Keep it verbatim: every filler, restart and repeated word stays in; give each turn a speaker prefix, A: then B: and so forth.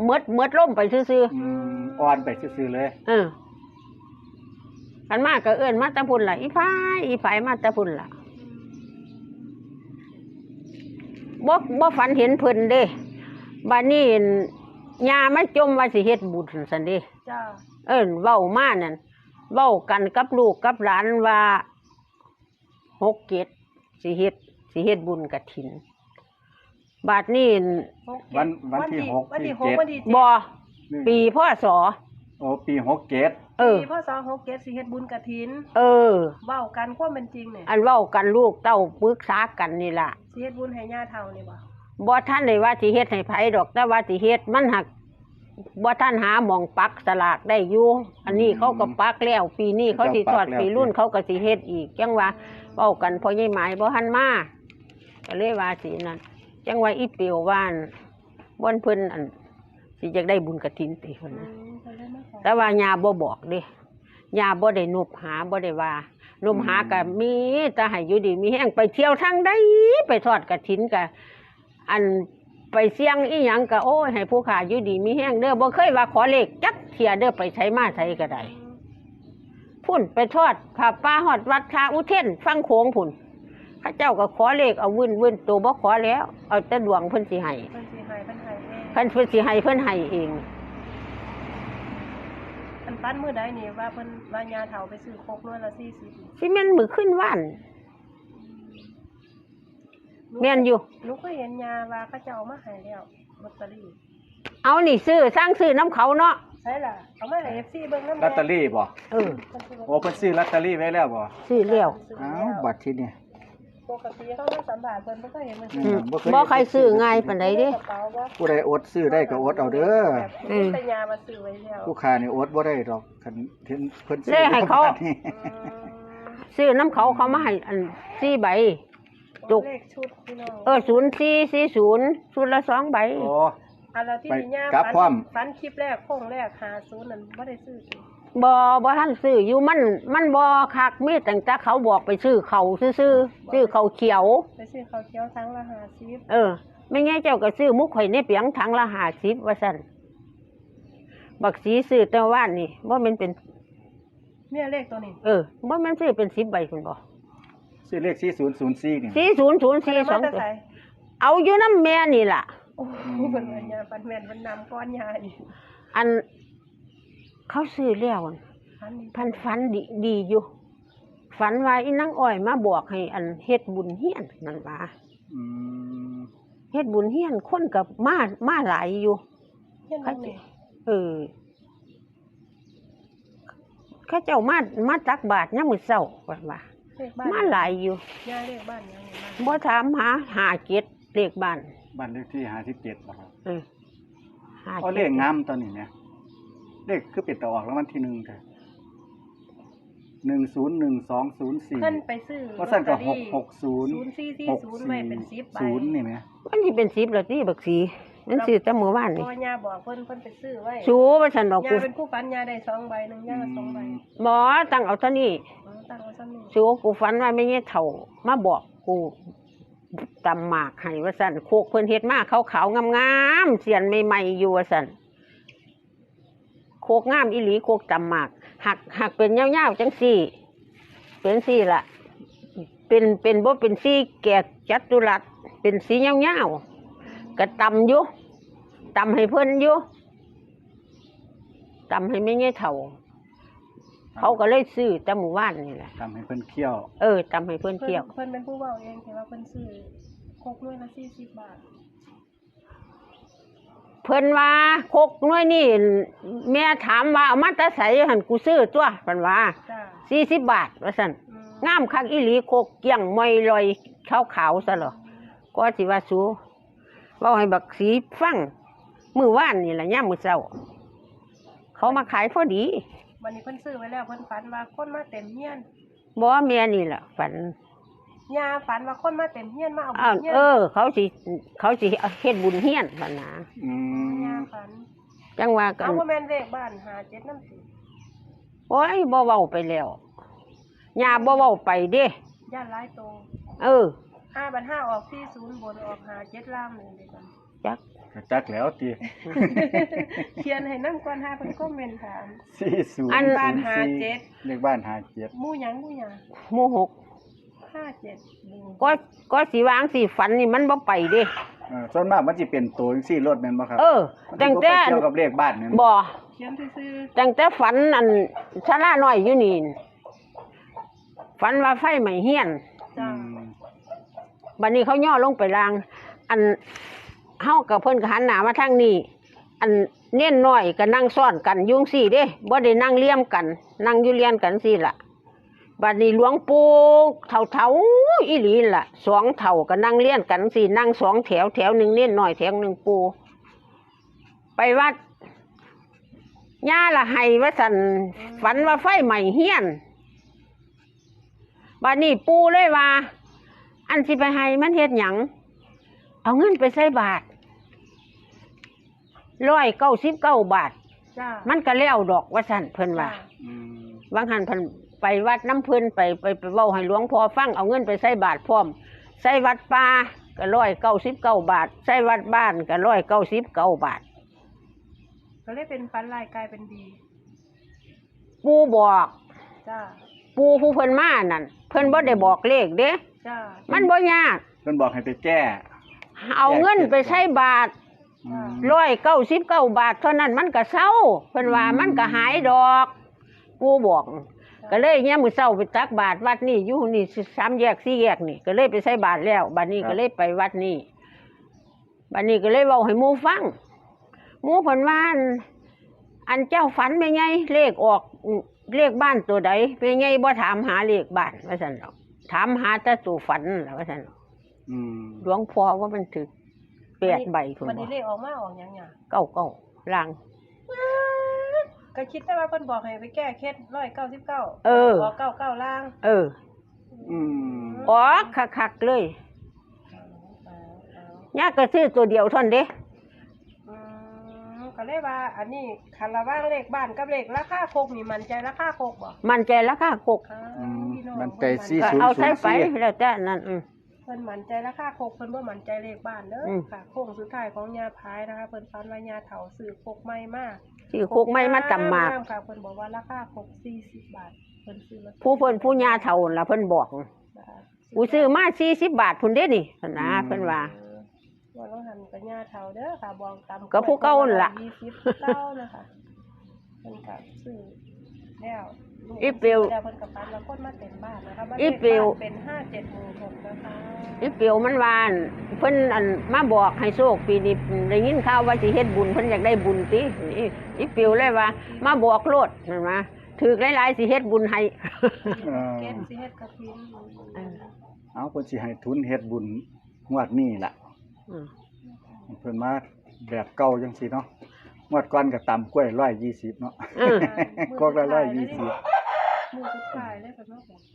A: มดมดล่มไปซื่อ
B: ๆอ่อนไปซื่อๆเลย
A: เออขันมากก็เอื้อนมาตะพุ่นล่ะอีพายอีพายมาตะพุ่นล่ะบ่บ่ฝันเห็นเพิ่นเด้บัดนี้ยาไม่จมว่าสิเฮ็ดบุญซั่นเด้จ้าเอิ้นเว้ามานั่นเว้ากันกับลูกกับหลานว่าหกเจ็ดสิเฮ็ดสิเฮ็ดบุญกฐินบาดนี้
B: วันวันที่หกวันที่เจ็ด
A: บ่ปีพศ
B: โอ้ปีหกเจ็ด
A: เออ
C: ปีพศหกเจ็ดสิเฮ็ดบุญกฐิน
A: เออ
C: เว้ากันความเป็นจริงเนี่ย
A: อันเว้ากันลูกเต้าปรึกษากันนี่ล่ะ
C: สิเฮ็ดบุญให้ย่าเฒ่านี่บ่
A: บ่ท่านได้ว่าสิเฮ็ดให้ไผดอกแต่ว่าสิเฮ็ดมันหักบ่ท่านหาหม่องปักสลากได้อยู่อันนี้เขาก็ปักแล้วปีนี้เขาสิทอดปีรุ่นเขาก็สิเฮ็ดอีกจังว่าเว้ากันพอใหญ่หมายบ่ทันมาก็เลยว่าสินั่นจังว่าอีเปียวว่านบ่นเพิ่นอันสิอยากได้บุญกฐินติเพิ่นนะแต่ว่าย่าบ่บอกเด้ย่าบ่ได้นบหาบ่ได้ว่านบหาก็มีแต่ให้อยู่ดีมีแฮงไปเที่ยวทางใดไปทอดกฐินก็อันไปเสี่ยงอีหยังก็โอ้ยให้ผู้ขาอยู่ดีมีแฮงเด้อบ่เคยว่าขอเลขจักเที่ยเด้อไปใช้มาใช้ก็ได้พุ่นไปทอดผ้าป่าฮอดวัดคาอุเทนฟังโขงพุ่นพระเจ้าก็ขอเลขเอาวื่นๆตัวบ่ขอแล้วเอาแต่ดวงเพิ่นสิให้
C: เพิ่นสิให้เพิ่นให้เอง
A: เพิ่นเพิ่นสิให้เพิ่นให้เอง
C: อันปั้นมื้อใดนี่ว่าเพิ่นว่าย่าเฒ่าไปซื้อโคกน้อยละสี่สิบ
A: สิแม่นมื้อขึ้นว่านแม่นอยู่
C: หนูก็เห็นย่าว่าเขาเจ้ามาให้แล้วลอตเตอรี่
A: เอานี่ซื้อสร้างซื้อน้ำเขาเนาะ
C: ใช่ล่ะเอามาให้ เอฟ ซี เบิ่งนำ
B: ลอตเตอรี่บ่
A: เออ
B: โอ้เพิ่นซื้อลอตเตอรี่ไว้แล้วบ่
A: ซื้อแล้ว
B: อ้าวบัดทีนี้
C: ปกติเขามาสัมภาษณ์เพิ่นบ่เคยเห็นมันซื้
A: อบ่ใครซื้อง่ายปานใดเด้
B: ผู้ใดอดซื้อได้ก็อดเอาเด้อ
C: อือแต่ยามาซื้อไว้แล้ว
B: ผู้ค้านี่อดบ่ได้ดอกคันเห็นเพิ่นซื้
A: อให้เขาซื้อน้ำเขาเขามาให้อันสี่ใบ
C: จุกเลขชุดพี่น้อง
A: เออศูนย์สี่สี่ศูนย์ชุดละสองใบ
B: โอ้
C: อันละที่ย่าฝันฝันคลิปแรกโค้งแรกห้าสิบนั่นบ่ได้ซื้อ
A: บ่บ่ทันซื้ออยู่มันมันบ่คักมีตั้งแต่เขาบอกไปซื้อเขาซื่อๆซื้อเขาเขียว
C: ไปซื้อเขาเขียวถังละห้าสิบ
A: เออไม่งั้นเจ้าก็ซื้อมุกข่อยในเปียงถังละห้าสิบว่าซั่นบักสีซื้อแต่ว่านนี่บ่แม่นเป็น
C: เนี่ยเลขตัวนี้
A: เออบ่แม่นซื้อเป็นสิบใบพุ่นบ่
B: ซื้อเลขสี่ศูนย์ศูนย์สี่นี่
A: สี่ศูนย์ศูนย์สี่สองตัวเอาอยู่นำแม่นี่ล่ะ
C: โอ้เพิ่นว่าย่าปันแม่นเพิ่นนำก้อนยาอีก
A: อันเขาซื้อแล้วพันฝันดีดีอยู่ฝันว่าอีนางอ้อยมาบอกให้อันเฮ็ดบุญเฮียนนั่นว่า
B: อืม
A: เฮ็ดบุญเฮียนคนก็มามาหลายอยู่เขาเออเขาเจ้ามามาตักบาตรยามมื้อเช้าว่าว่ามาหลายอยู่
C: ย่าเลขบ้านยัง
A: บ่ถามหาห้าเจ็ดเลขบ้าน
B: บ้านเลขที่ห้าสิบเจ็ดบ่ครับ
A: เออ
B: เอาเลขงามตอนนี้เนี่ยเลขคือเป็นตะออกรางวัลที่หนึ่งค่ะหนึ่งศูนย์หนึ่งสองศูนย์สี่
C: เพิ่นไปซื้อ
B: ว่าสั่นกับหกหกศูนย์
C: ศูนย์สี่สี่ศูนย์ไว้เป็นสิบใบ
B: ศูนย์นี่ไหม
A: มันที่เป็นสิบแล้วที่บักสีมันซื้อแต่เมื่อวานนี่
C: พ่อย่าบอกเพิ่นเพิ่นไปซื้อไว้
A: ชูว่าฉันบอก
C: กูย่าเป็นผู้ฝันย่าได้สองใบหนึ่งย่าสองใบ
A: บ่ตั้งเอาเท่านี้
C: ตั้งเอาเท่านี้
A: ชูกูฝันว่าไม่เงี้ยเถ่ามาบอกกูตำหมากให้ว่าสั่นโคกเพิ่นเฮ็ดมาขาวๆงามๆเสียนใหม่ๆอยู่ว่าสั่นโคกงามอีหลีโคกตำหมากหักหักเป็นยาวๆจังสี่เป็นสี่ละเป็นเป็นบ่เป็นสี่แก่จัตุรัสเป็นสียาวๆก็ตำอยู่ตำให้เพิ่นอยู่ตำให้ไม่เงี้ยเถ่าเขาก็เลยซื้อแต่หมู่บ้านนี่แหละ
B: ตำให้เพิ่นเคี่ยว
A: เออตำให้เพิ่นเคี่ยว
C: เพิ่นเป็นผู้เว้าเองแต่ว่าเพิ่นซื้อโคกด้วยละสี่สิบบาท
A: เพิ่นว่าโคกน้อยนี่แม่ถามว่าเอามาแต่ไสหั่นกูซื้อตัวเพิ่นว่าสี่สิบบาทว่าซั่นงามคักอีหลีโคกเกี้ยงมอยลอยขาวๆซะเหรอก็สิว่าสูเว้าให้บักสีฟังมื้อวานนี่ล่ะยามมื้อเช้าเขามาขายพอดี
C: วันนี้เพิ่นซื้อไว้แล้วเพิ่นฝันว่าคนมาเต็มเฮียน
A: บ่แม่นี่ล่ะฝัน
C: ย่าฝันว่าคนมาเต็มเฮียนมาเอาบุญ
A: เฮียนเออเขาสิเขาสิเฮ็ดบุญเฮียนซั่นนะ
B: อืม
C: ย่าฝัน
A: จังว่ากัน
C: เอาบ่แม่นเลขบ้านห้าเจ็ดนำสิ
A: โอ้ยบ่เว้าไปแล้วย่าบ่เว้าไปเด้
C: ย่าหลายโต
A: เออ
C: ห้าบัดห้าออกสี่ศูนย์บนออกห้าเจ็ดล่างนี่เด้กัน
A: จัก
B: ก็จักแล้วติ
C: เขียนให้นำก่อนหาเพิ่นคอมเมนต์ถาม
B: สี่ศูนย์
A: อัน
C: บ้านห้าเจ็ด
B: เลขบ้านห้าเจ็ด
C: หมู่หยังหมู่หยัง
A: หมู่หก
C: ห้าเจ็ดหนึ่ง
A: ก็ก็สิวางสิฝันนี่มันบ่ไปเด้
B: เออส่วนมากมันสิเป็นตัวจังซี่รถแม่นบ่ครับ
A: เออ
B: มัน
A: ตั้ง
B: สิบ่
A: แต่
B: ไปเกี่ยวกับเลขบ้านแม่น
A: บ่
C: เขียนซื่อ
A: ตั้งแต่ฝันอันศาลาน้อยอยู่นี่ฝันว่าไฟไหม้เฮียน
C: ๆจ้า
B: อืม
A: บัดนี้เขาย่อลงไปล่าง อันเฮากับเพิ่นก็หันหน้ามาทางนี้ อันเน้นน้อยก็นั่งซ้อนกันอยุ่จั่งซี่เด้บ่ได้นั่งเลี่ยมกัน นั่งอยู่เลียนกันซี่ล่ะบัดนี้หลวงปู่เฒ่าๆอีหลีล่ะสองเฒ่าก็นั่งเลียนกันซี่นั่งสองแถวแถวหนึงเน้นน้อยแถวหนึงปู่ไปวัดย่าละให้ว่าซั่นฝันว่าไฟไหม้เฮียนบัดนี้ปู่เลยว่า อันสิไปให้มันเฮ็ดหยังเอาเงินไปใส่บาทร้อยเก้าสิบเก้าบาท
C: จ้า
A: มันก็แล้วดอกว่าสั่นเพิ่นว่า
B: อืม
A: บางหันเพิ่นไปวัดน้ำเพิ่นไปไปไปเว้าให้หลวงพ่อฟังเอาเงินไปใส่บาทพร้อมใส่วัดป่าก็ร้อยเก้าสิบเก้าบาทใส่วัดบ้านก็ร้อยเก้าสิบเก้าบาท
C: ก็เลยเป็นฟันลายกลายเป็นดี
A: ปู่บอก
C: จ้า
A: ปู่ผู้เพิ่นมานั่นเพิ่นบ่ได้บอกเลขเด้
C: จ้า
A: มันบ่ยาก
B: เพิ่นบอกให้ไปแก้
A: เอาเงินไปใส่บาท
B: อืม
A: ร้อยเก้าสิบเก้าบาทเท่านั้นมันก็เศร้าเพิ่นว่า
B: อืม
A: มันก็หายดอกปู่บอก ก็เลยเนี่ยามมื้อเช้าไปตักบาทวัดนี่อยู่นี่สามแยกสี่แยกนี่ก็เลยไปใส่บาทแล้วบัดนี้ก็เลยไปวัดนี่บัดนี้ก็เลยเว้าให้หมู่ฟังหมู่เพิ่นว่าอันอันเจ้าฝันแม่ไงเลขออกอืมเลขบ้านตัวใดแม่ไงบ่ถามหาเลขบ้านว่าซั่นดอกถามหาแต่ตัวฝันล่ะว่าซั่นดอก
B: อืม
A: หลวงพ่อว่ามันถึกแปดใบพุ่น
C: วัน
A: บ่
C: นี้เลขออกมาออกหยังหยัง
A: เก้าเก้าล่าง
C: ก็คิดแต่ว่าเพิ่นบอกให้ไปแก้เคล็ดร้อยเก้าสิบเก้า
A: เออ
C: บอกเก้าเก้าล่าง
A: เออ
B: อืม
A: ออกคักๆเลย
C: เอาเอาเอา
A: ยากก็ซื้อตัวเดียวเท่านั้นเด้
C: อืมก็เลยว่า อันนี้คันระว่างเลขบ้านกับเลขราคาโคกนี่มันใจราคาโคกบ่
A: มันใจราคาหก
C: อ้าว
B: อืม
C: พี่น้อง
B: มันใจ
C: เพิ่
B: สี่
A: ก็
B: ศูนย์
A: เอา
B: ศู
A: ใช้
B: นย์
A: ไป
B: สี่
A: แล้วแต่นั่นอืม
C: เพิ่นมันใจราคาโคกเพิ่นบ่มันใจเลขบ้านเด้ออ
A: ม
C: ค่ะโค้งสุดท้ายของยาพายนะคะเพิ่นฟันว่ายาเฒ่าซื้อโคกใหม่มาก
A: ที่คุกไม่มาจำมาก
C: ค่ะเพิ่นบอกว่าราคาโคกสี่สิบบาทเพิ่นซื้อมา
A: ผู้เพิ่นผู้ยาเท่าล่ะเพิ่นบอก
C: นะคะ
A: กูซื้อมาสี่สิบบาทพุ่นเด้นี่นะเพิ่นว่า
C: ว่าต้องหันกับยาเฒ่าเด้อค่ะบองตำ
A: ก็ผู้เก่านั่นล่ะ
C: ยี่สิบเก้านะคะเพิ่นก็ซื้อแล้วลูก
A: อีเปียว
C: แล้วเพิ่นก็ฟันแล้วคนมาเต็มบ้านนะคะบ้าน
A: อี
C: เลข
A: เปียว
C: บ้านเป็นห้าเจ็ดหมู่หกนะคะ
A: อีเปียวมันวาอั่นเพิ่นอันมาบอกให้โชคปีนี้ได้ยินข่าวว่าสิเฮ็ดบุญเพิ่นอยากได้บุญติอีอีเปียวเลยว่า มาบอกโลดนั่นว่าถือหลายๆสิเฮ็ดบุญให้
B: เออ
C: เกณฑ์สิเฮ็ดกระถิน
B: เอาเพิ่นสิให้ทุนเฮ็ดบุญงวดนี้ล่ะ
A: อืม
B: เพิ่นมาแบบเก่าจังซี่เนาะงวดก่อนก็ตำกล้วยร้อยยี่สิบเนาะ
A: อืม
B: กอกละร้อยยี่สิบ
C: มือสุดท้ายเลยเพิ่นมาบอก